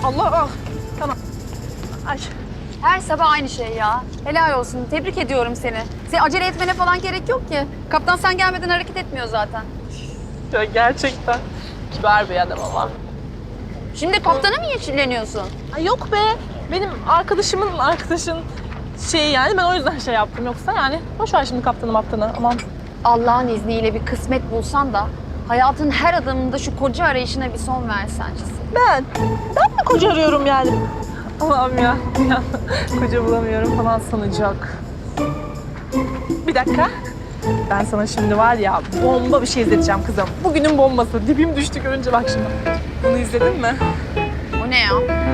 Allah ah. Tamam. Ay. Her sabah aynı şey ya. Helal olsun. Tebrik ediyorum seni. Senin acele etmene falan gerek yok ki. Kaptan sen gelmeden hareket etmiyor zaten. Ya gerçekten kibar bir adam ama. Şimdi kaptana mı yeşilleniyorsun? Ay yok be. Benim arkadaşımın arkadaşın şeyi yani ben o yüzden şey yaptım. Yoksa yani boş ver şimdi kaptanı aman. Allah'ın izniyle bir kısmet bulsan da hayatın her adımında şu koca arayışına bir son versen. Ben mi koca arıyorum yani? Allah'ım ya. Koca bulamıyorum falan sanacak. Bir dakika. Ben sana şimdi var ya bomba bir şey izleteceğim kızım. Bugünün bombası. Dibim düştü görünce bak şimdi. Bunu izledin mi? O ne ya?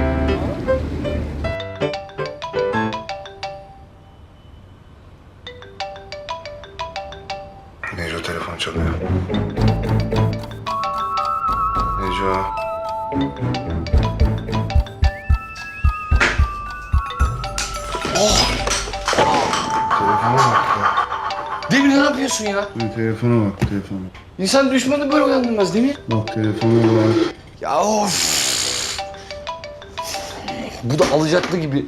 Neco telefon çalıyor. Neco. Telefona bak ya. Demir ne yapıyorsun ya? Telefona bak, telefona. İnsan düşmanı böyle uyandırmaz Demir. Bak telefona bak. Ya of. Bu da alacaklı gibi.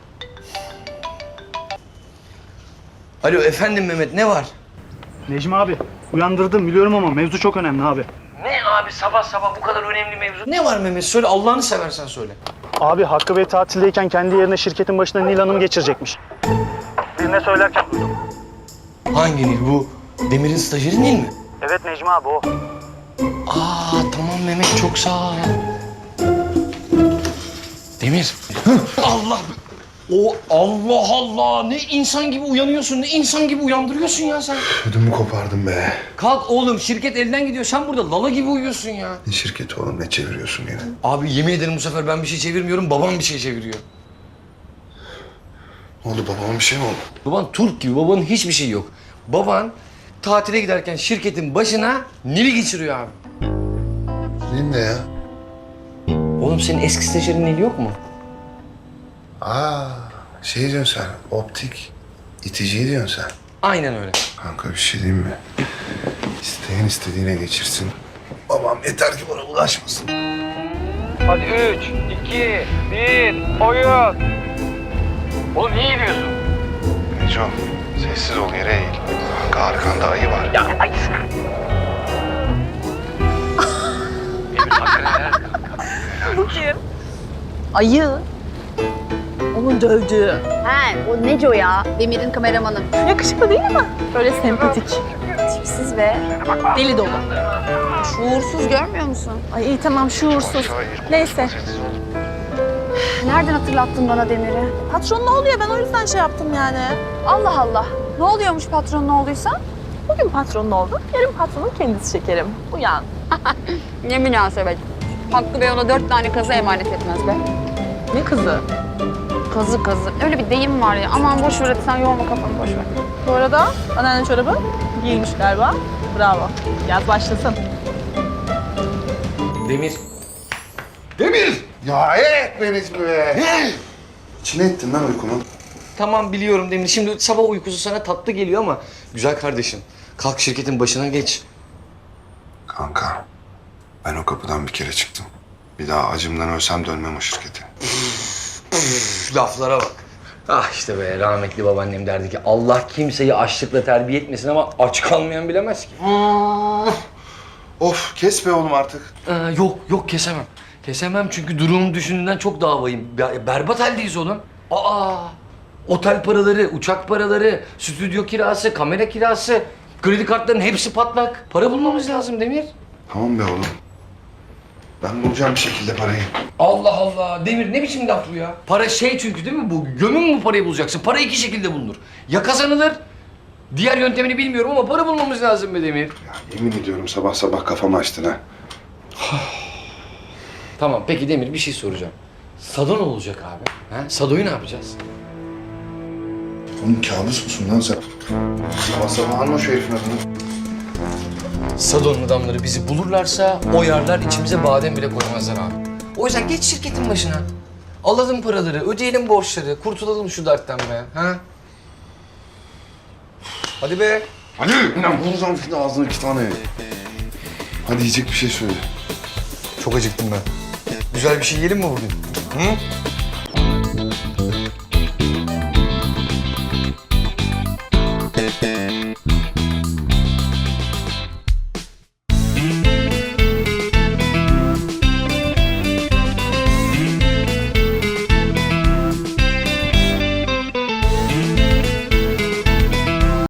Alo efendim Mehmet ne var? Necmi abi, uyandırdım biliyorum ama mevzu çok önemli abi. Ne abi sabah sabah bu kadar önemli mevzu? Ne var Mehmet söyle Allah'ını seversen söyle. Abi Hakkı Bey tatildeyken kendi yerine şirketin başına Nil Hanım geçirecekmiş. Birine söylerken duydum. Hangi Nil bu? Demir'in stajyeri Nil mi? Evet Necmi abi o. Aa tamam Mehmet çok sağ ol. Demir. Allah. Allah Allah ne insan gibi uyanıyorsun ne insan gibi uyandırıyorsun ya sen. Ödümü kopardım be. Kalk oğlum şirket elden gidiyor sen burada lala gibi uyuyorsun ya. Ne şirketi oğlum, ne çeviriyorsun yine? Abi yemin ederim bu sefer ben bir şey çevirmiyorum babam bir şey çeviriyor. Ne oldu, babama bir şey mi oldu? Baban Türk gibi babanın hiçbir şeyi yok. Baban tatile giderken şirketin başına Nil'i geçiriyor abi. Ne ya? Oğlum senin eski stajyerin Nil yok mu? Aa, şey diyorsun sen, optik. İticiyi diyorsun sen. Aynen öyle. Kanka bir şey diyeyim mi? İsteyen istediğine geçirsin. Babam yeter ki bana ulaşmasın. Hadi 3, 2, 1, oyun. Oğlum niye gidiyorsun? Neco, sessiz ol, yere eğil. Kanka arkanda ayı var. Bu kim? Ayı. Onun dövdüğü. He, o Neco ya. Demir'in kameramanı. Yakışıklı değil mi? Böyle sempatik. Tipsiz ve Deli dolu. şuursuz görmüyor musun? Ay iyi tamam şuursuz. Neyse. Nereden hatırlattın bana Demir'i? Patron ne oluyor? Ben o yüzden şey yaptım yani. Allah Allah. Ne oluyormuş patronun olduysa? Bugün patronun oldu. Yarın patronun kendisi şekerim. Uyan. Ne münasebet. Hakkı Bey ona 4 tane kazı emanet etmez be. Ne kızı? Kazı kazı. Öyle bir deyim var ya. Aman boş ver hadi sen yorma kafanı boş ver. Bu arada anneanne çorabı giyilmiş galiba. Bravo. Yaz başlasın. Demir. Demir! Ya etme Necmi be! İçine ettin lan uykumu. Tamam biliyorum Demir. Şimdi sabah uykusu sana tatlı geliyor ama güzel kardeşim. Kalk şirketin başına geç. Kanka, ben o kapıdan bir kere çıktım. Bir daha acımdan ölsem dönmem o şirkete. Üf, laflara bak. Ah işte be rahmetli babaannem derdi ki Allah kimseyi açlıkla terbiye etmesin ama aç kalmayan bilemez ki. Of, kes be oğlum artık. Yok kesemem. Kesemem çünkü durumum düşündüğünden çok daha vahim. Berbat haldeyiz oğlum. Otel paraları, uçak paraları, stüdyo kirası, kamera kirası, kredi kartlarının hepsi patlak. Para bulmamız lazım Demir. Tamam be oğlum. Ben bulacağım bir şekilde parayı. Allah Allah. Demir ne biçim laf bu ya? Para şey çünkü değil mi bu? Gömün mü parayı bulacaksın? Para iki şekilde bulunur. Ya kazanılır. Diğer yöntemini bilmiyorum ama para bulmamız lazım be Demir. Ya yemin ediyorum sabah sabah kafamı açtın ha. Tamam peki Demir bir şey soracağım. Sado ne olacak abi? Ha? Sado'yu ne yapacağız? Oğlum kabus musun lan sen? Sabah sabah alma şu herifin adını. Sado'nun adamları bizi bulurlarsa oyarlar içimize badem bile koymazlar abi. O yüzden geç şirketin başına. Alalım paraları, ödeyelim borçları, kurtulalım şu dertten be. Ha? Hadi be. Hadi! Lan vuracağım şimdi ağzına 2 tane. Hadi yiyecek bir şey söyle. Çok acıktım ben. Güzel bir şey yiyelim mi bugün? Hı?